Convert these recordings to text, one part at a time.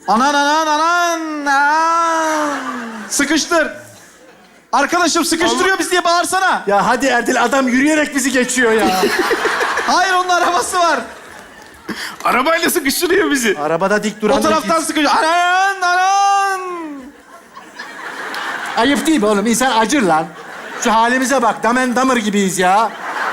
Anan anan anan. Anan. Sıkıştır. Arkadaşım sıkıştırıyor bizi diye bağırsana. Ya hadi Erdil, adam yürüyerek bizi geçiyor ya. Hayır, onun arabası var. Arabayla sıkıştırıyor bizi. Arabada dik duran... O taraftan sıkıştır. Anan anan. Ayıp değil mi oğlum? İnsan acır lan. Şu halimize bak. Damen damır gibiyiz ya.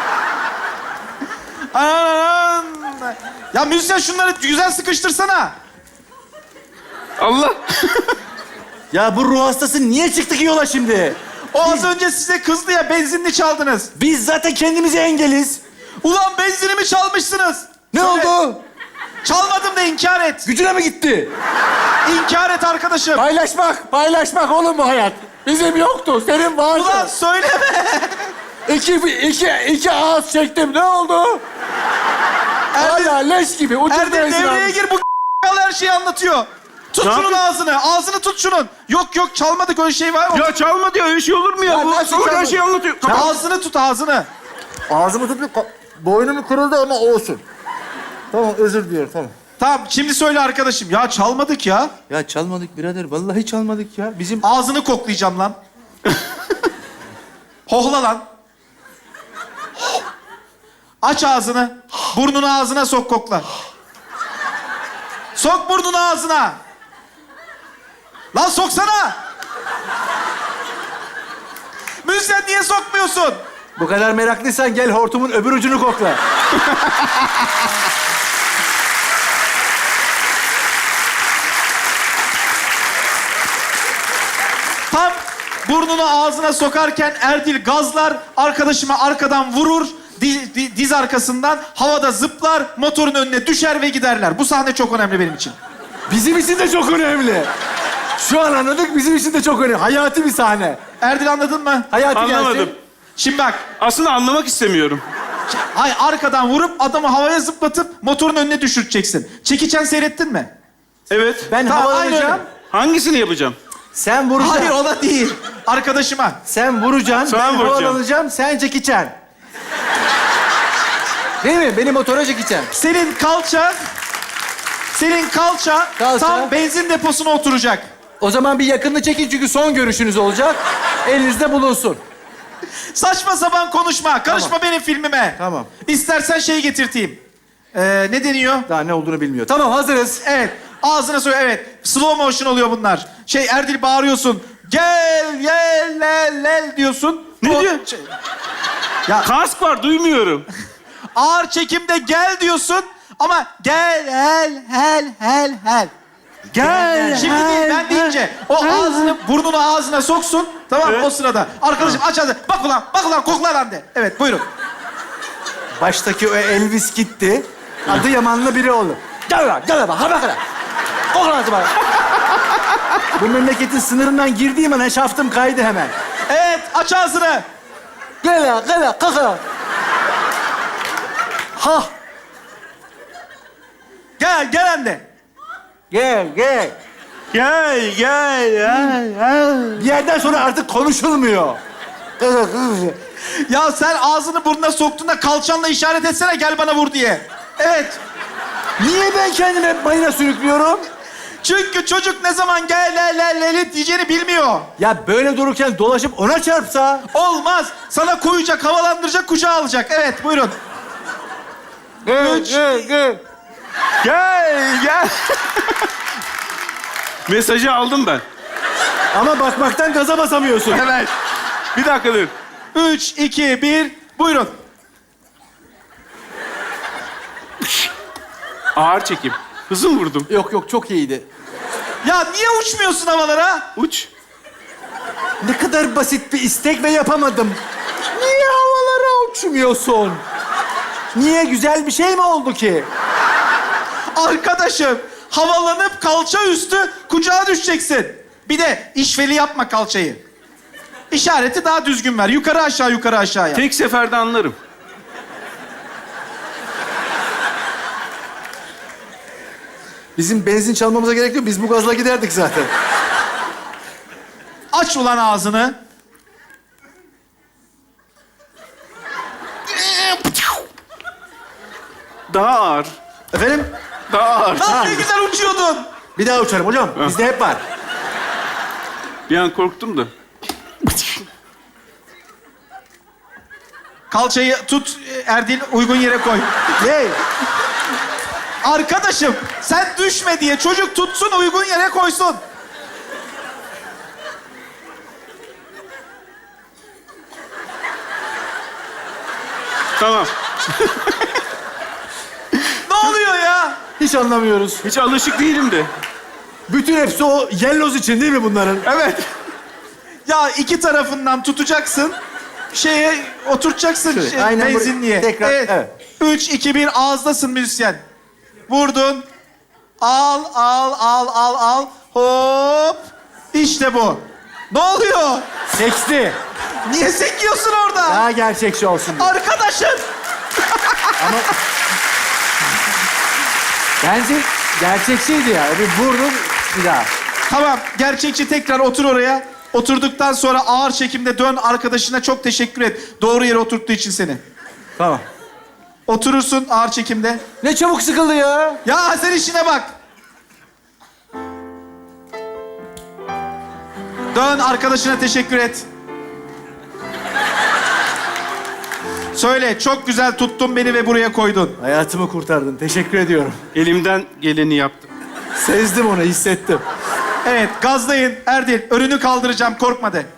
Anan. Ya müzisyen şunları güzel sıkıştırsana. Allah. Ya bu ruh hastası niye çıktı ki yola şimdi? O az önce size kızdı ya, benzinli çaldınız. Biz zaten kendimize engeliz. Ulan benzinimi çalmışsınız. Ne Söyle. oldu? Çalmadım da inkar et. Gücüne mi gitti? İnkar et arkadaşım. Paylaşmak oğlum bu hayat. Bizim yoktu, senin vardı. Ulan söyleme. İki ağız çektim, ne oldu? Hala leş gibi, ucuz Erdem benzin devreye almış. gir, bu her şeyi anlatıyor. Tut Ne şunun yapayım? ağzını. Ağzını tut şunun. Yok çalmadık, öyle şey var mı? Ya çalma diyor, öyle şey olur mu ya? Ya Bu nasıl öyle çalma? şey anlatıyor. Ağzını tut, ağzını. Ağzımı tutmuyor, boynum kırıldı ama olsun. Tamam, özür diliyorum, tamam. Tamam, şimdi söyle arkadaşım. Ya çalmadık ya. Ya çalmadık birader, vallahi çalmadık ya. Bizim... Ağzını koklayacağım lan. Hohla lan. Aç ağzını. Burnunu ağzına sok, kokla. Sok burnunu ağzına. Lan soksana. Müzisyen niye sokmuyorsun? Bu kadar meraklıysan gel hortumun öbür ucunu kokla. Tam burnunu ağzına sokarken Erdil gazlar, arkadaşıma arkadan vurur, diz arkasından havada zıplar, motorun önüne düşer ve giderler. Bu sahne çok önemli benim için. Bizim için de çok önemli. Şu an anladık, bizim için de çok önemli. Hayati bir sahne. Erdil, anladın mı? Hayati Anlamadım. gelsin. Şimdi bak, Aslında anlamak istemiyorum. hayır, arkadan vurup adamı havaya zıplatıp motorun önüne düşüreceksin. Çekiçen seyrettin mi? Evet. Ben Tamam, havalanacağım. aynen öyle. Hangisini yapacağım? Sen vuracaksın. Hayır, o da değil. Arkadaşıma. Sen vuracaksın, Sen ben vuracaksın. havalanacağım, sen çekeceksin. Değil mi? Beni motora çekeceksin. Senin kalça tam benzin deposuna oturacak. O zaman bir yakınını çekin çünkü son görüşünüz olacak. Elinizde bulunsun. Saçma sapan konuşma. Karışma benim filmime. Tamam. İstersen şey getirteyim. Ne deniyor? Daha ne olduğunu bilmiyor. Tamam, hazırız. Evet. Ağzına söyle. Evet. Slow motion oluyor bunlar. Erdil bağırıyorsun. Gel, gel, lel, lel diyorsun. Ne O- diyor? Ya Kask var, duymuyorum. ağır çekimde gel diyorsun ama gel, hel. Gel. Şimdi değil, ben deyince o ağzını, burnunu ağzına soksun. Tamam mı? Evet. O sırada. Arkadaşım aç ağzını. Bak ulan, kokla lan de. Evet, buyurun. Baştaki o Elvis gitti. Adı Yamanlı biri oldu. Gel lan, ha bakalım. Kokla hadi bana. Bu memleketin sınırından girdiğim an şaftım kaydı hemen. Evet, aç ağzını. Gel, kaka. Ha, Gel anne. gel. Gel. Bir yerden sonra artık konuşulmuyor. Ya sen ağzını burnuna soktuğunda kalçanla işaret etsene, gel bana vur diye. Evet. Niye ben kendimi hep mayına sürüklüyorum? Çünkü çocuk ne zaman gel lel diyeceğini bilmiyor. Ya böyle dururken dolaşıp ona çarpsa? Olmaz. Sana koyacak, havalandıracak, kucağa alacak. Evet, buyurun. Üç. Gel. Mesajı aldım ben. Ama bakmaktan gaza basamıyorsun. Evet. Bir dakika dur. 3, 2, 1, buyurun. Ağır çekim. Hızım vurdum. Yok, çok iyiydi. Ya niye uçmuyorsun havalara? Uç. Ne kadar basit bir istek ve yapamadım. Niye havalara uçmuyorsun? Niye, güzel bir şey mi oldu ki? Arkadaşım, havalanıp kalça üstü kucağa düşeceksin. Bir de işveli yapma kalçayı. İşareti daha düzgün ver. Yukarı aşağı yap. Tek seferde anlarım. Bizim benzin çalmamıza gerek yok. Biz bu gazla giderdik zaten. Aç ulan ağzını. Daha ağır. Efendim? Daha ağır. Lan ne güzel uçuyordun. Bir daha uçarım hocam. Bizde hep var. Bir an korktum da. Kalçayı tut Erdil, uygun yere koy. Ne? Arkadaşım sen düşme diye çocuk tutsun, uygun yere koysun. Tamam. Ne oluyor ya? Hiç anlamıyoruz. Hiç alışık değilim de. Bütün hepsi o yelloz için değil mi bunların? Evet. Ya iki tarafından tutacaksın. Şeye oturtacaksın. Şöyle, aynen buraya. Benzinliğe. Tekrar, evet. 3, 2, 1 ağızdasın müzisyen. Vurdun. Al. Hop. İşte bu. Ne oluyor? Seksi. Niye sekiyorsun orada? Daha gerçekçi olsun diye. Arkadaşım. Ama... Bence gerçekçiydi ya. Bir vurdum bir daha. Tamam. Gerçekçi, tekrar otur oraya. Oturduktan sonra ağır çekimde dön, arkadaşına çok teşekkür et. Doğru yere oturttuğu için seni. Tamam. Oturursun ağır çekimde. Ne çabuk sıkıldı ya. Ya sen işine bak. Dön, arkadaşına teşekkür et. Söyle, çok güzel tuttun beni ve buraya koydun. Hayatımı kurtardın. Teşekkür ediyorum. Elimden geleni yaptım. Sezdim onu, hissettim. Evet, gazlayın. Erdil, önünü kaldıracağım, korkma de.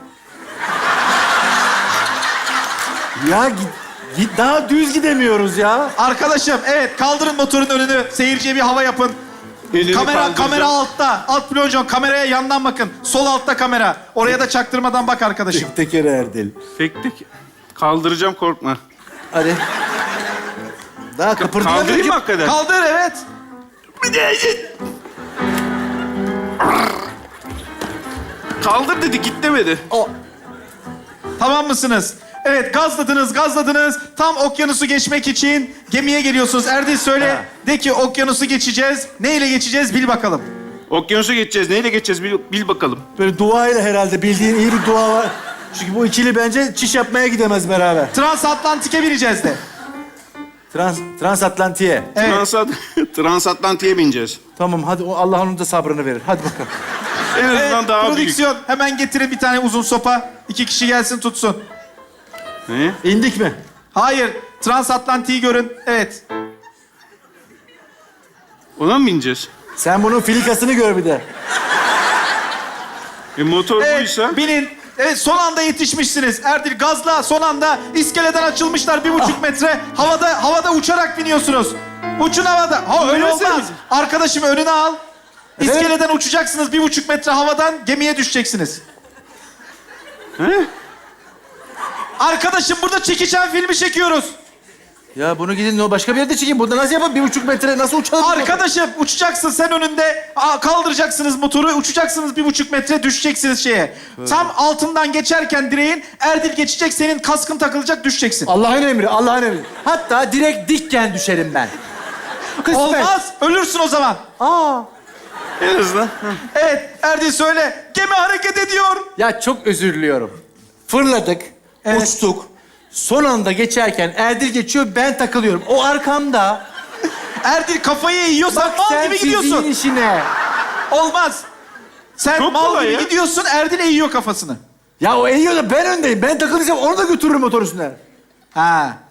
Ya git daha düz gidemiyoruz ya. Arkadaşım, evet, kaldırın motorun önünü. Seyirciye bir hava yapın. Elini kaldıracağım. Kamera altta. Alt plonjon, kameraya yandan bakın. Sol altta kamera. Oraya da çaktırmadan bak arkadaşım. Tek tekere Erdil. Tek tek. Kaldıracağım, korkma. Hadi. Daha Kaldırayım kıpırdayamıyor mı ki. hakikaten? Kaldır, evet. Kaldır dedi, git demedi. Tamam mısınız? Evet, gazladınız. Tam okyanusu geçmek için gemiye geliyorsunuz. Erdil söyle, Ha. de ki okyanusu geçeceğiz. Neyle geçeceğiz bil bakalım. Okyanusu geçeceğiz. Neyle geçeceğiz bil bakalım. Böyle duayla herhalde bildiğin iyi bir dua var. Çünkü bu ikili bence çiş yapmaya gidemez beraber. Transatlantik'e bineceğiz de. Transatlantiğe. Evet. Transatlantiğe bineceğiz. Tamam hadi Allah onun da sabrını verir. Hadi bakalım. En azından Evet, daha büyük. prodüksiyon. Hemen getirin bir tane uzun sopa. 2 kişi gelsin tutsun. Ne? İndik mi? Hayır, transatlantiği görün. Evet. Ona mı bineceğiz? Sen bunun filikasını gör bir de. Motor Evet, buysa. binin. Evet, son anda yetişmişsiniz. Erdil gazla, son anda iskeleden açılmışlar 1,5 metre. Havada uçarak biniyorsunuz. Uçun havada. Ha öyle Öylesene olmaz. bizi. Arkadaşım önüne al. Evet. İskeleden uçacaksınız 1,5 metre havadan gemiye düşeceksiniz. He? Arkadaşım burada çekişen filmi çekiyoruz. Ya bunu gidin o başka bir yerde çekeyim. Burada nasıl yapalım? 1,5 metre nasıl uçalım? Arkadaşım uçacaksın sen önünde. Kaldıracaksınız motoru. Uçacaksınız 1,5 metre düşeceksiniz şeye. Tam altından geçerken direğin Erdil geçecek. Senin kaskın takılacak düşeceksin. Allah'ın emri, Allah'ın emri. Hatta direkt dikken düşerim ben. Kısmet. Olmaz. Ölürsün o zaman. Aa. En azından. Evet Erdil söyle. Gemi hareket ediyor. Ya çok özür diliyorum. Fırladık, Evet. uçtuk. Son anda geçerken Erdil geçiyor, ben takılıyorum. O arkamda. Erdil kafayı yiyorsan Bak mal sen gibi fiziğin gidiyorsun. işine. Olmaz. Sen Çok mal kolay gibi ya. gidiyorsun. Erdil eğiyor kafasını. Ya o eğiyor da ben öndeyim. Ben takılacağım, onu da götürürüm motor üstüne. Ha.